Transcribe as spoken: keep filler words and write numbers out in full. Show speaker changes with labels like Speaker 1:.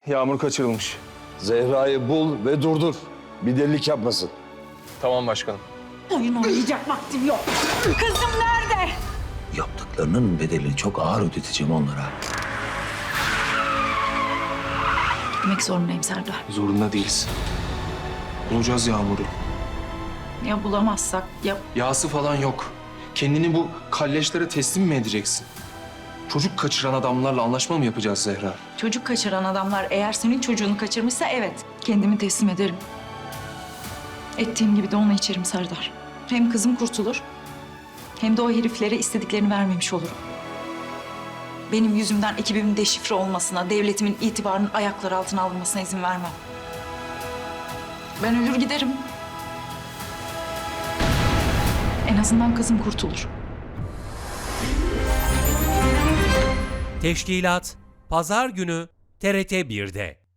Speaker 1: Yağmur kaçırılmış.
Speaker 2: Zehra'yı bul ve durdur. Bir delilik yapmasın.
Speaker 1: Tamam başkanım.
Speaker 3: Oyun oynayacak vaktim yok. Kızım nerede?
Speaker 4: Yaptıklarının bedelini çok ağır ödeteceğim onlara.
Speaker 3: Gitmek zorundayım Serdar.
Speaker 1: Zorunda değiliz. Bulacağız Yağmur'u.
Speaker 3: Ya bulamazsak ya...
Speaker 1: Yağsı falan yok. Kendini bu kalleşlere teslim mi edeceksin? Çocuk kaçıran adamlarla anlaşma mı yapacağız Zehra?
Speaker 3: Çocuk kaçıran adamlar eğer senin çocuğunu kaçırmışsa evet. Kendimi teslim ederim. Ettiğim gibi de onu içerim Serdar. Hem kızım kurtulur hem de o heriflere istediklerini vermemiş olurum. Benim yüzümden ekibimin deşifre olmasına, devletimin itibarının ayakları altına alınmasına izin vermem. Ben ölür giderim. En azından kızım kurtulur.
Speaker 5: Teşkilat Pazar günü T R T bir'de.